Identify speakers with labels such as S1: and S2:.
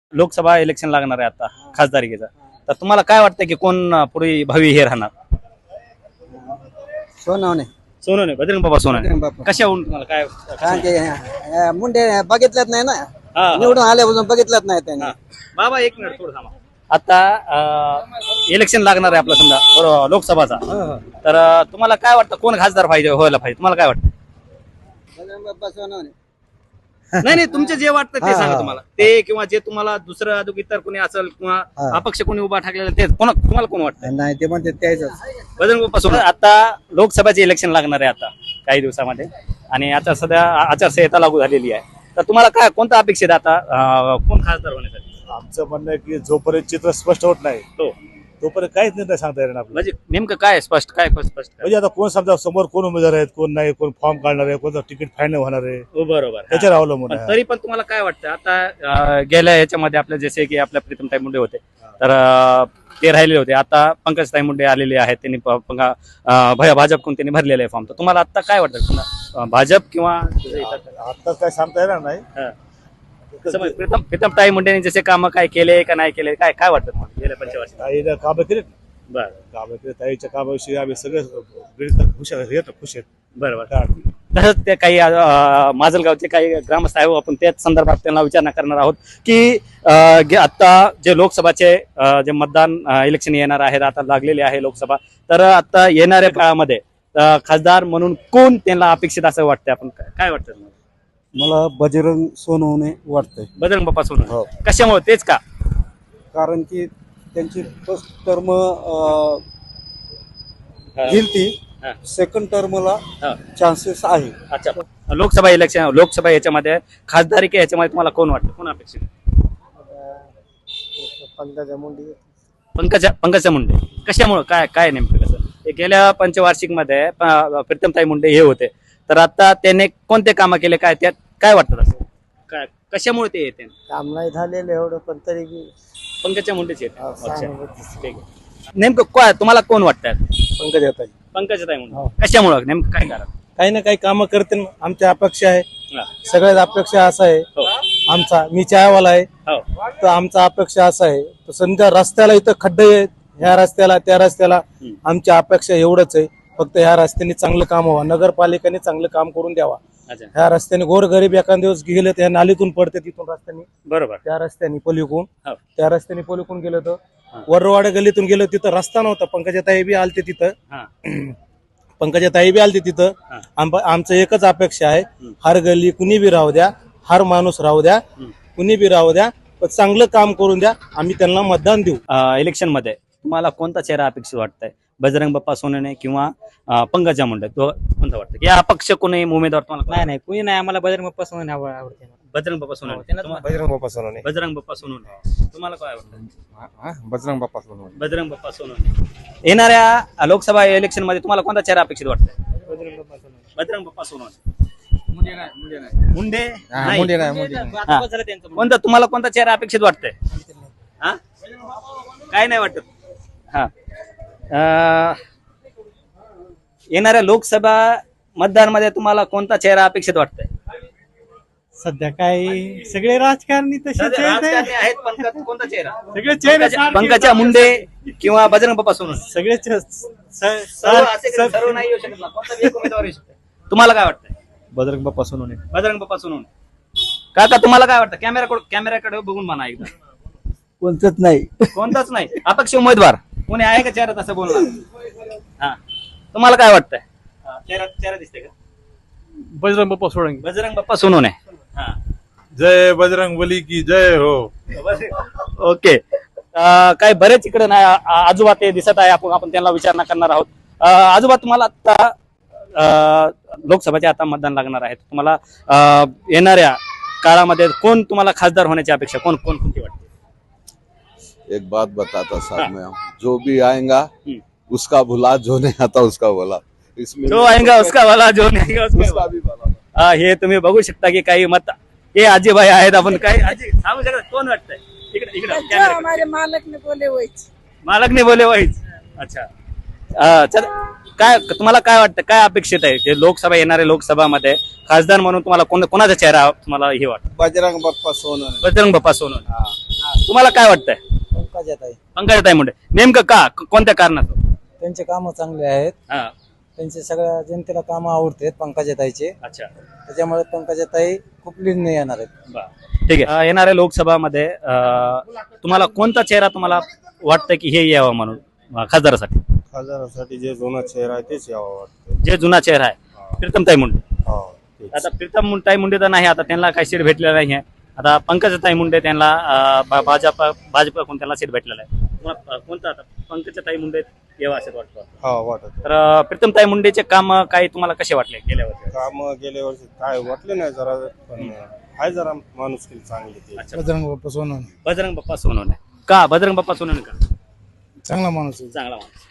S1: Lok Sabha election लागणार आहे आता खासदारकीचं, तर तुम्हाला काय वाटतं की कोण पुढे भावी हे राहणार?
S2: सोनवणे
S1: सोनवणे, बजरंग बाप्पा सोनवणे.
S2: बजरंग बाप्पा.
S1: कशावरून तुम्हाला काय?
S2: कारण की मुंडे बघितलंच नाही ना,
S1: हा.
S2: निवडून आल्यापासून बघितलंच नाही त्यांनी.
S1: हा. बाबा एक मिनिट थोडं थांबा. आता इलेक्शन लागणार आहे आपलं समजा बरोबर लोकसभाचा, तर तुम्हाला काय वाटतं कोण खासदार पाहिजे व्हायला पाहिजे? तुम्हाला काय वाटतं?
S2: बजरंग बाप्पा सोनवणे.
S1: नाही नाही, तुमचे जे वाटतं ते
S2: हा,
S1: सांगा
S2: हा.
S1: तुम्हाला, ते किंवा जे तुम्हाला दुसरं अजून इतर कोणी असेल किंवा
S2: हा.
S1: अपक्ष कोणी उभा ठाकलेला ते तुम्हाला कोण वाटतं?
S2: नाही ते म्हणते त्याच.
S1: बजरंग बाप्पा सोनवणे. आता लोकसभेचे इलेक्शन लागणार आहे आता काही दिवसामध्ये, आणि आता सध्या आचारसंहिता लागू झालेली आहे, तर तुम्हाला काय कोणता अपेक्षित आहे आता कोण खासदार होण्यासाठी?
S3: आमचं म्हणणं आहे की जोपर्यंत चित्र स्पष्ट होत नाही
S1: हो,
S3: तोपर्यंत काहीच निर्णय सांगता येणार आपल्याला.
S1: म्हणजे नेमकं काय स्पष्ट काय स्पष्ट काय?
S3: म्हणजे आता कोण समजा समोर कोण उमेदवार आहेत, कोण नाही, कोण फॉर्म काढणार आहे, कोणतं तिकीट फायनल होणार आहे,
S1: हो, बरोबर.
S3: त्याच्यावर अवलंबून
S1: पण
S3: आहे.
S1: तरी पण तुम्हाला काय वाटतं आता गेल्या याच्यामध्ये आपल्या जसे की आपल्या प्रीतमताई मुंडे होते, तर ते राहिलेले होते, आता पंकजताई मुंडे आलेले आहेत, त्यांनी भाजपकडून त्यांनी भरलेले आहे फॉर्म, तर तुम्हाला आता काय वाटतं पुन्हा भाजप किंवा
S3: आत्ताच काय सांगता येणार नाही.
S1: प्रीतमताई मुंडेंनी जसे कामं काय केले का नाही केले, काय काय वाटतं तुम्हाला गेल्या पंचवर्षी?
S3: ताईनं कामं केलीत,
S1: बरं
S3: कामं केली, ताईच्या कामाविषयी आम्ही सगळे खुश आहेत.
S1: बरोबर.
S3: काय अडचण नाही.
S1: तसंच ते काही माजलगावचे काही ग्रामस्थ आहे, आपण त्याच संदर्भात त्यांना विचारणा करणार आहोत की आता जे लोकसभाचे जे मतदान इलेक्शन येणार आहेत, आता लागलेले आहे लोकसभा, तर आता येणाऱ्या काळामध्ये खासदार म्हणून कोण त्यांना अपेक्षित असं वाटतं? आपण काय वाटतं तुम्हाला?
S2: मला बजरंग सोनवणे वाटतंय.
S1: बजरंग बाप्पा
S2: हो.
S1: सोनवणे. कशामुळे? तेच का?
S2: कारण की त्यांची फर्स्ट टर्म गेलती,
S1: हा.
S2: सेकंड टर्मला
S1: हा.
S2: चान्सेस आहे.
S1: अच्छा, लोकसभा याच्यामध्ये खासदारी याच्यामध्ये तुम्हाला कोण वाटतं, कोण अपेक्षित?
S2: पंकजा मुंडे.
S1: पंकजा मुंडे. कशामुळे? काय काय नेमकं कसं? हे गेल्या पंचवार्षिक मध्ये प्रीतमताई मुंडे हे होते, तर आता त्याने कोणते कामं केले, काय त्यात काय वाटतं असं? काय कशामुळे ते येते?
S2: काम नाही झालेलं एवढं, पण तरी
S1: पंकजा मुंडेच येते.
S2: हा,
S1: अच्छा,
S2: सहानुभूती.
S1: ठीक आहे. नेमकं काय तुम्हाला कोण वाटतं?
S2: पंकजा ताई.
S1: पंकजाताई
S2: हो.
S1: मुंडे. कशामुळे? नेमकं काय कारण?
S2: काही ना काही कामं करते, आमच्या अपेक्षा आहे.
S1: हा.
S2: सगळ्यात अपेक्षा असा आहे
S1: हो.
S2: आमचा, मी चायवाला आहे,
S1: हो.
S2: तर आमचा अपेक्षा असा आहे, तर समजा रस्त्याला इथं खड्डे आहेत, ह्या रस्त्याला त्या रस्त्याला, आमच्या अपेक्षा एवढंच आहे, फक्त ह्या रस्त्याने चांगलं काम व्हावं, नगरपालिकेने चांगलं काम करून द्यावा.
S1: अच्छा,
S2: ह्या रस्त्याने गोरगरीब एखाद दिवस गेले तर ह्या नालीतून पडते, तिथून रस्त्याने
S1: बरोबर.
S2: त्या रस्त्याने पलीकडून,
S1: हो.
S2: त्या रस्त्याने पलीकडून गेलं तर वरवाड गल्लीतून गेलं, तिथं रस्ता नव्हता. पंकजाताई बी आलते तिथं,
S1: हा.
S2: पंकजाताई बी आलते तिथं.
S1: हा.
S2: आमचं एकच अपेक्षा आहे, हर गल्ली कुणी बी राहू द्या, हर माणूस राहू द्या, कुणी बी राहू द्या, पण चांगलं काम करून द्या, आम्ही त्यांना मतदान देऊ.
S1: इलेक्शन मध्ये तुम्हाला कोणता चेहरा अपेक्षित वाटतंय? बजरंग बाप्पा सोनवणे किंवा पंकजा मुंडे, कोणता वाटतं? या अपक्ष कोणी उमेदवार तुम्हाला?
S4: नाही कुणी नाही, आम्हाला बजरंग बाप्पा सोनवणे आवडते.
S1: बजरंग बाप्पा सोनवणे.
S5: बजरंग बाप्पा सोनवणे.
S1: बजरंग बाप्पा सोनवणे. तुम्हाला काय वाटतं?
S5: बजरंग बाप्पा सोनवणे.
S1: बजरंग बाप्पा सोनवणे. येणाऱ्या लोकसभा इलेक्शन मध्ये तुम्हाला कोणता चेहरा अपेक्षित वाटतंय? बजरंग बाप्पा सोनवणे. मुंडे नाही.
S5: मुंडे नाही.
S1: हा. कोणता तुम्हाला कोणता चेहरा अपेक्षित वाटतंय? हा, काय नाही वाटत. हा. येणाऱ्या लोकसभा मतदानमध्ये तुम्हाला कोणता चेहरा अपेक्षित वाटतंय?
S4: सध्या काय सगळे राजकारणी तसेच
S1: राजकारणी आहेत, पण कोणता चेहरा?
S4: सगळे चेहरे
S1: पंकजा मुंडे किंवा बजरंग बाप्पा सोनवणे?
S4: सगळेच
S1: सर्व नाही येऊ शकत ना, कोणता बी एक उमेदवार येऊ शकतो. तुम्हाला काय वाटतंय?
S2: बजरंग बाप्पा सोनवणे.
S1: बजरंग बाप्पा सोनवणे. काका तुम्हाला काय वाटतं? कॅमेऱ्याकडे बघून म्हणा एकदा.
S2: कोणतंच नाही.
S1: कोणताच नाही अपक्ष उमेदवार कोणी आहे का चेहरा तसं बोलणार? हा, तुम्हाला काय वाटतंय? चेहरा दिसतंय का?
S4: बजरंग बाप्पा सोनवणे.
S1: बजरंग बाप्पा सोनवणे. हा,
S3: जय बजरंग बली की जय हो.
S1: ओके. काय बरेच इकडे नाही आजोबा ते दिसत आहे, आपण त्यांना विचारणा करणार आहोत. आजोबा, तुम्हाला आता लोकसभेचे आता मतदान लागणार आहे, तुम्हाला येणाऱ्या काळामध्ये कोण तुम्हाला खासदार होण्याची अपेक्षा कोणती वाटते?
S6: एक बात बताता साहब मैं, जो भी आएगा उसका भुला, जो नहीं आता उसका बोला. इसमें
S1: जो आएगा उसका वाला, जो नहीं आएगा
S6: उसका
S1: उसका
S6: भी बोला.
S1: हे तुम्ही बघू शकता की काही मत हे आजीबाई आहेत. आपण काय आजी सांगू शकता कोण वाटतंय? इकडे
S7: हमारे मालक ने बोले वहीच.
S1: मालक नाही बोले वाईच. अच्छा, चल, काय तुम्हाला काय वाटतं, काय अपेक्षित आहे जे लोकसभा येणाऱ्या लोकसभामध्ये खासदार म्हणून तुम्हाला कोणाचा चेहरा तुम्हाला हे वाटतं?
S2: बजरंग बाप्पा सोनवणे.
S1: बजरंग बाप्पा सोनवणे. तुम्हाला काय वाटतंय
S2: पंकजाताई
S1: पंकजाताई मुंडे नेमकं का कोणत्या कारणाचं?
S2: त्यांचे काम चांगले आहेत.
S1: हा
S2: त्यांचे सगळ्या जनतेला काम आवडतात पंकजाताईचे.
S1: अच्छा
S2: त्याच्यामुळे पंकजाताई खूप लीडने येणार आहेत.
S1: ठीक आहे. येणाऱ्या लोकसभामध्ये तुम्हाला कोणता चेहरा तुम्हाला वाटतं की हे यावं म्हणून खासदारासाठी?
S5: खासदारासाठी जे जुना चेहरा आहे तेच यावं वाटतं.
S1: जे जुना चेहरा आहे प्रीतमताई मुंडे.
S5: हो, तेच.
S1: आता प्रीतमताई मुंडे तर नाही, आता त्यांना काही सीट भेटलेलं नाही आहे. आता पंकजाताई मुंडे त्यांना भाजपकडून त्यांना सीट भेटलेलं आहे. तुम्हाला कोणता आता पंकजाताई मुंडे यावं असं वाटतं?
S5: हा वाटत.
S1: तर प्रीतमताई मुंडेचे काम काही तुम्हाला कसे वाटले गेल्या वर्षी?
S5: काम गेल्या वर्षी काय वाटले नाही जरा, पण आहे जरा माणुसकी चांगली ते.
S1: अच्छा.
S2: बजरंग बाप्पा सोनवणे
S1: बजरंग बाप्पा सोनवणे का? बजरंग बाप्पा सोनवणे का?
S2: चांगला माणूस आहे.
S1: चांगला माणूस.